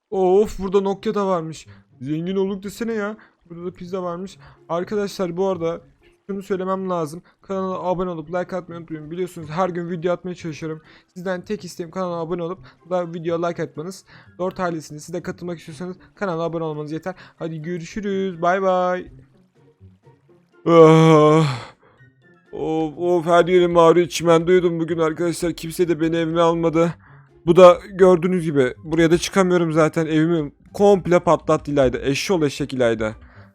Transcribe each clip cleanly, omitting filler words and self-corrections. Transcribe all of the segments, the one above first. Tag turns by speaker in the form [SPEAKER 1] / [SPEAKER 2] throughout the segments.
[SPEAKER 1] Of, burada Nokia da varmış. Zengin olduk desene ya. Burada da pizza varmış. Arkadaşlar bu arada şunu söylemem lazım. Kanala abone olup like atmayı unutmayın. Biliyorsunuz her gün video atmaya çalışıyorum. Sizden tek isteğim kanala abone olup videoya like atmanız. Dört ailesine siz de katılmak istiyorsanız kanala abone olmanız yeter. Hadi görüşürüz. Bay bay. Ah. Of, her yerim ağrıyor. Çimen duydum bugün arkadaşlar. Kimse de beni evime almadı. Bu da gördüğünüz gibi. Buraya da çıkamıyorum zaten. Evimi komple patlattı İlayda. Eşşoğlu eşek İlayda.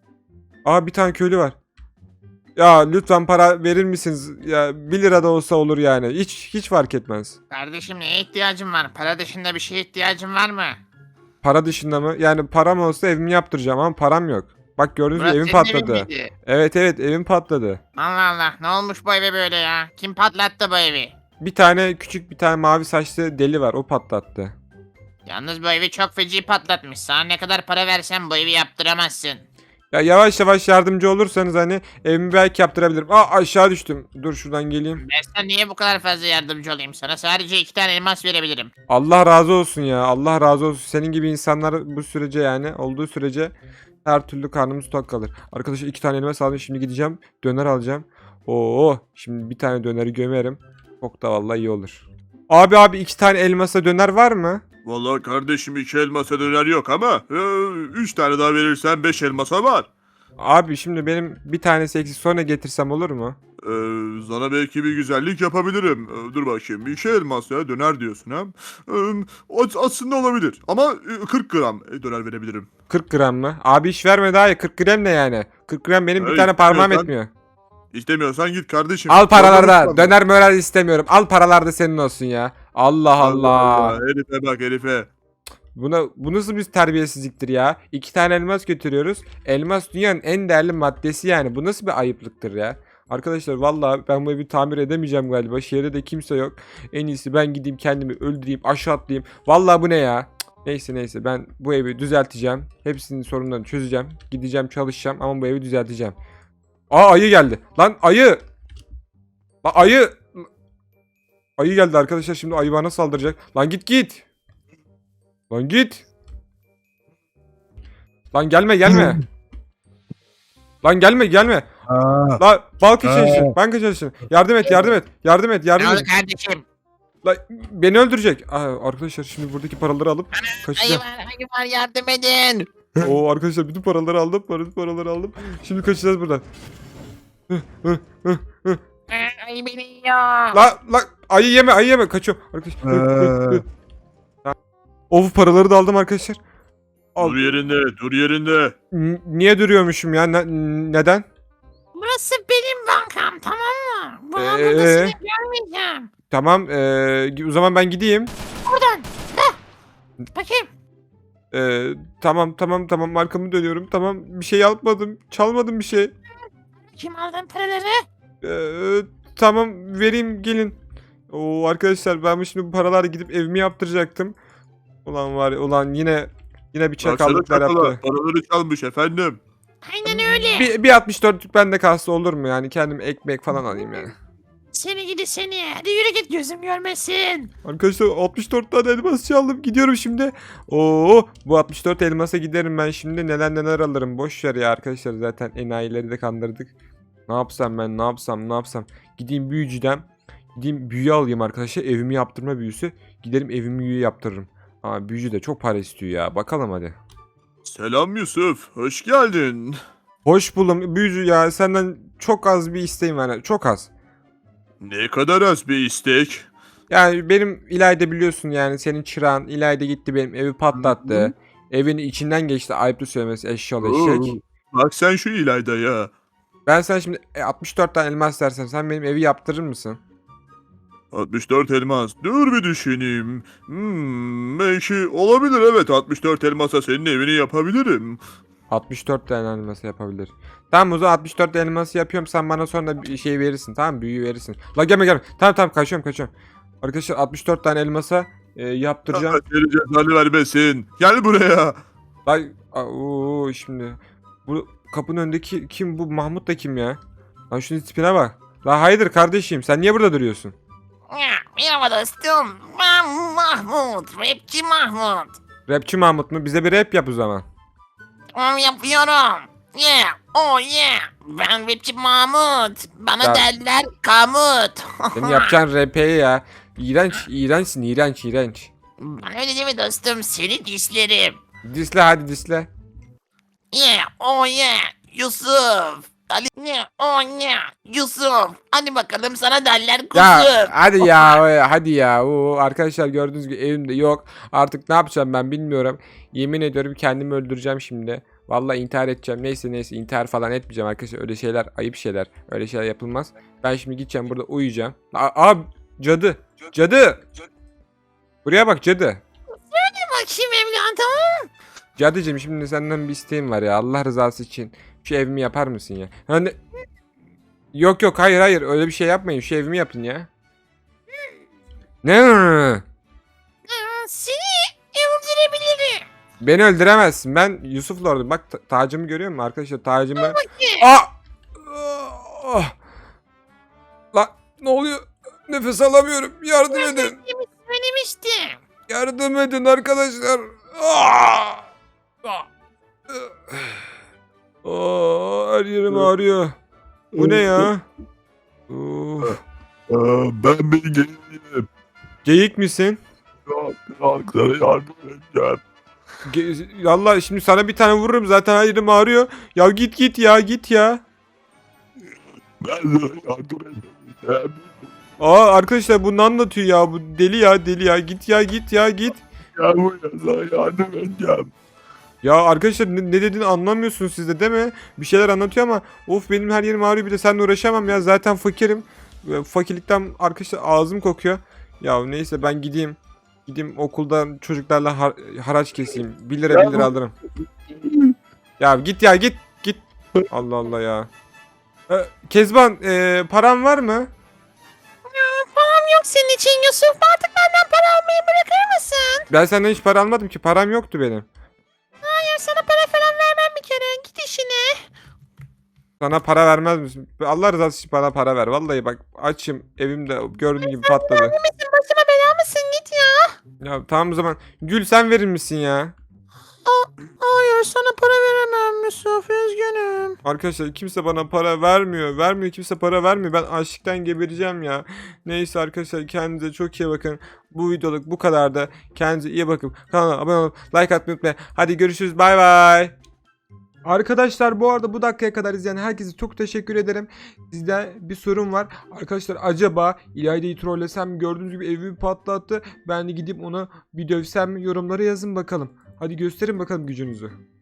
[SPEAKER 1] Aa, bir tane köylü var. Ya lütfen para verir misiniz? Ya 1 lira da olsa olur yani. Hiç fark etmez.
[SPEAKER 2] Kardeşim neye ihtiyacın var? Para dışında bir şeye ihtiyacın var mı?
[SPEAKER 1] Para dışında mı? Yani param olsa evimi yaptıracağım ama param yok. Bak gördüğünüz gibi
[SPEAKER 2] Burası
[SPEAKER 1] evim
[SPEAKER 2] senin evin
[SPEAKER 1] patladı.
[SPEAKER 2] miydi?
[SPEAKER 1] Evet evim patladı.
[SPEAKER 2] Allah Allah, ne olmuş bu eve böyle ya? Kim patlattı bu evi?
[SPEAKER 1] Bir tane küçük bir tane mavi saçlı deli var, o patlattı.
[SPEAKER 2] Yalnız bu evi çok feci patlatmış. Sana ne kadar para versem bu evi yaptıramazsın.
[SPEAKER 1] Ya yavaş yavaş yardımcı olursanız hani evimi belki yaptırabilirim. Aa, aşağı düştüm. Dur şuradan geleyim.
[SPEAKER 2] Ben sana niye bu kadar fazla yardımcı olayım? Sana sadece 2 tane elmas verebilirim.
[SPEAKER 1] Allah razı olsun ya. Allah razı olsun. Senin gibi insanlar bu sürece yani olduğu sürece her türlü karnımız tok kalır. Arkadaşlar 2 tane elmas aldım. Şimdi gideceğim. Döner alacağım. Oo, şimdi bir tane döneri gömerim. Çok da vallahi iyi olur. Abi 2 tane elmasa döner var mı?
[SPEAKER 3] Vallahi kardeşim 2 elmasa döner yok ama 3 tane daha verirsen 5 elmasa var.
[SPEAKER 1] Abi şimdi benim bir tanesi eksik, sonra getirsem olur mu?
[SPEAKER 3] Sana belki bir güzellik yapabilirim. Dur bakayım 2 elmas ya döner diyorsun ha. Aslında olabilir ama 40 gram döner verebilirim.
[SPEAKER 1] 40 gram mı? Abi hiç verme daha ya. 40 gram ne yani? 40 gram benim bir
[SPEAKER 3] Hey,
[SPEAKER 1] tane parmağım
[SPEAKER 3] istiyorsan-
[SPEAKER 1] etmiyor.
[SPEAKER 3] İstemiyorsan git kardeşim.
[SPEAKER 1] Al paraları da.
[SPEAKER 3] Döner
[SPEAKER 1] Döner mörer istemiyorum. Al paralar da senin olsun ya. Allah Allah.
[SPEAKER 3] Herife bak herife.
[SPEAKER 1] Bu nasıl bir terbiyesizliktir ya? 2 tane elmas götürüyoruz. Elmas dünyanın en değerli maddesi yani. Bu nasıl bir ayıplıktır ya? Arkadaşlar vallahi ben bu evi tamir edemeyeceğim galiba. Şehirde de kimse yok. En iyisi ben gideyim kendimi öldüreyim, aşağı atlayayım. Vallahi bu ne ya? Neyse ben bu evi düzelteceğim. Hepsinin sorunlarını çözeceğim. Gideceğim, çalışacağım ama bu evi düzelteceğim. Aa, ayı geldi. Lan ayı. Lan ayı. Ayı geldi arkadaşlar, şimdi ayı bana saldıracak. Lan git. Lan git. Lan gelme. Lan gelme. Lan banka çalışsın. Yardım et.
[SPEAKER 2] Ne oldu kardeşim?
[SPEAKER 1] Lan beni öldürecek. Aa, arkadaşlar şimdi buradaki paraları alıp
[SPEAKER 2] Ayı
[SPEAKER 1] kaçacağım.
[SPEAKER 2] ayı var, yardım edin.
[SPEAKER 1] Oo arkadaşlar bütün paraları aldım. Şimdi kaçacağız buradan.
[SPEAKER 2] Ayı beni yiyor.
[SPEAKER 1] La ayı yeme kaçıyorum arkadaşlar. Of, paraları da aldım arkadaşlar. Al.
[SPEAKER 3] Dur yerinde.
[SPEAKER 1] Niye duruyormuşum ya? Neden?
[SPEAKER 2] Burası benim bankam, tamam mı? Bu
[SPEAKER 1] Ee?
[SPEAKER 2] burada seni görmeyeceğim.
[SPEAKER 1] Tamam, o zaman ben gideyim.
[SPEAKER 2] Buradan. Heh. Bakayım.
[SPEAKER 1] Tamam, arkamı dönüyorum. Tamam, bir şey yapmadım. Çalmadım bir şey.
[SPEAKER 2] Kim aldın paraları?
[SPEAKER 1] Tamam, vereyim, gelin. Oo arkadaşlar, ben şimdi bu paralarla gidip evimi yaptıracaktım. Ulan yine bir
[SPEAKER 3] Baksana
[SPEAKER 1] çakallıklar
[SPEAKER 3] çakala.
[SPEAKER 1] yaptı.
[SPEAKER 3] Paraları çalmış efendim.
[SPEAKER 2] Aynen öyle.
[SPEAKER 1] Bir 64'lük bende kalsa olur mu yani? Kendim ekmek falan alayım yani.
[SPEAKER 2] Seni gidi seni. Hadi yürü git, gözüm görmesin.
[SPEAKER 1] Arkadaşlar 64 tane elmas çaldım. Gidiyorum şimdi. Oo, bu 64 elmasa giderim ben şimdi. Neler alırım. Boş ver ya arkadaşlar. Zaten enayileri de kandırdık. Ne yapsam ben? Ne yapsam? Gideyim büyücüden. Gideyim büyü alayım arkadaşlar. Evimi yaptırma büyüsü. Giderim evimi büyü yaptırırım. Ama büyücü de çok para istiyor ya. Bakalım hadi.
[SPEAKER 3] Selam Yusuf. Hoş geldin.
[SPEAKER 1] Hoş buldum büyücü ya. Senden çok az bir isteğim var. Çok az.
[SPEAKER 3] Ne kadar az bir istek.
[SPEAKER 1] Yani benim İlayda biliyorsun yani, senin çırağın İlayda gitti benim evi patlattı. Evin içinden geçti, ayıplı söylemesi, eşşoğlu eşek.
[SPEAKER 3] Bak sen şu İlayda'ya.
[SPEAKER 1] Ben sana şimdi 64 tane elmas dersem sen benim evi yaptırır mısın?
[SPEAKER 3] 64 elmas. Dur bir düşüneyim. Belki olabilir evet. 64 elmasa senin evini yapabilirim.
[SPEAKER 1] 64 tane elması yapabilir. Tamam, o zaman 64 elması yapıyorum, sen bana sonra bir şey verirsin, tamam mı? Büyü verirsin. La gelme. Tamam, kaçıyorum. Arkadaşlar 64 tane elmasa yaptıracağım.
[SPEAKER 3] Allah seni cezanı vermesin. Gel buraya.
[SPEAKER 1] Şimdi bu kapının önündeki kim, bu Mahmut da kim ya? Lan şunun tipine bak. La hayırdır kardeşim, sen niye burada duruyorsun?
[SPEAKER 2] Merhaba dostum. Ben Mahmut. Rapçi Mahmut.
[SPEAKER 1] Rapçi Mahmut mu? Bize bir rap yap o zaman.
[SPEAKER 2] Yapıyorum. Yeah. Oh yeah. Ben rapçi Mahmut. Bana
[SPEAKER 1] Ya-
[SPEAKER 2] derler Kamut.
[SPEAKER 1] Senin yapacağın rap'e ya. İğrenç, iğrençsin, iğrenç.
[SPEAKER 2] Bana öyle deme dostum. Seni dislerim.
[SPEAKER 1] Disle hadi disle.
[SPEAKER 2] Yeah. Oh yeah. Yusuf. Ali. Yeah. Oh yeah. Yusuf. Hadi bakalım sana derler
[SPEAKER 1] Ya
[SPEAKER 2] kuzum.
[SPEAKER 1] hadi ya hadi ya. Oo, arkadaşlar gördüğünüz gibi evimde yok. Artık ne yapacağım ben bilmiyorum. Yemin ediyorum kendimi öldüreceğim şimdi. Vallahi intihar edeceğim. Neyse intihar falan etmeyeceğim arkadaşlar. Öyle şeyler ayıp şeyler. Öyle şeyler yapılmaz. Ben şimdi gideceğim burada uyuyacağım. Aa cadı. Cadı. Buraya bak cadı.
[SPEAKER 2] Bakayım evladım.
[SPEAKER 1] Cadıcığım şimdi senden bir isteğim var ya. Allah rızası için. Şu evimi yapar mısın ya? Hani yok hayır öyle bir şey yapmayın. Şu evimi yapın ya. Ne?
[SPEAKER 2] Seni öldürebilirim.
[SPEAKER 1] Beni öldüremezsin. Ben Yusuf Lord'um. Bak tacımı görüyor musun arkadaşlar? Tacımı.
[SPEAKER 2] Bakayım.
[SPEAKER 1] Aa! Ah! Lan ne oluyor? Nefes alamıyorum. Yardım edin.
[SPEAKER 2] Söylemiştim.
[SPEAKER 1] Yardım edin arkadaşlar. Aa! Her yerim ağrıyor. Bu ne ya? Of.
[SPEAKER 3] Ben bir geleyim.
[SPEAKER 1] Geyik misin?
[SPEAKER 3] Sana yardım edeceğim.
[SPEAKER 1] Valla şimdi sana bir tane vururum zaten her yerim ağrıyor. Ya git ya.
[SPEAKER 3] Ben sana yardım edeceğim.
[SPEAKER 1] Arkadaşlar bunu anlatıyor ya. Bu deli ya. Git ya.
[SPEAKER 3] Gel buraya, sana yardım edeceğim.
[SPEAKER 1] Ya arkadaşlar ne dediğini anlamıyorsunuz siz de değil mi? Bir şeyler anlatıyor ama of benim her yerim ağrıyor bir de seninle uğraşamam ya. Zaten fakirim. Fakirlikten arkadaşlar ağzım kokuyor. Ya neyse ben gideyim. Gideyim okuldan çocuklarla haraç keseyim. 1 lira 1 lira alırım. Ya git. Allah Allah ya. Kezban param var mı?
[SPEAKER 2] Param yok senin için Yusuf. Artık benden para almayı bırakır mısın?
[SPEAKER 1] Ben senden hiç para almadım ki. Param yoktu benim.
[SPEAKER 2] Hayır sana para falan vermem bir kere. Git işine.
[SPEAKER 1] Sana para vermez misin? Allah rızası için bana para ver. Vallahi bak açım evimde gördüğün gibi patladı.
[SPEAKER 2] Misin başıma bela mısın git ya.
[SPEAKER 1] Ya tamam o zaman Gül sen verir misin ya?
[SPEAKER 2] Hayır sana para veremem Yusuf üzgünüm.
[SPEAKER 1] Arkadaşlar kimse bana para vermiyor. Kimse para vermiyor. Ben açlıktan gebereceğim ya. Neyse arkadaşlar kendinize çok iyi bakın. Bu videoluk bu kadar da. Kendinize iyi bakın. Kanala abone olup like atmayı unutmayın. Hadi görüşürüz. Bay bay. Arkadaşlar bu arada bu dakikaya kadar izleyen herkese çok teşekkür ederim. Sizde bir sorun var. Arkadaşlar acaba İlayda'yı trollesem mi? Gördüğünüz gibi evimi patlattı. Ben de gidip ona bir dövsem mi? Yorumlara yazın bakalım. Hadi gösterin bakalım gücünüzü.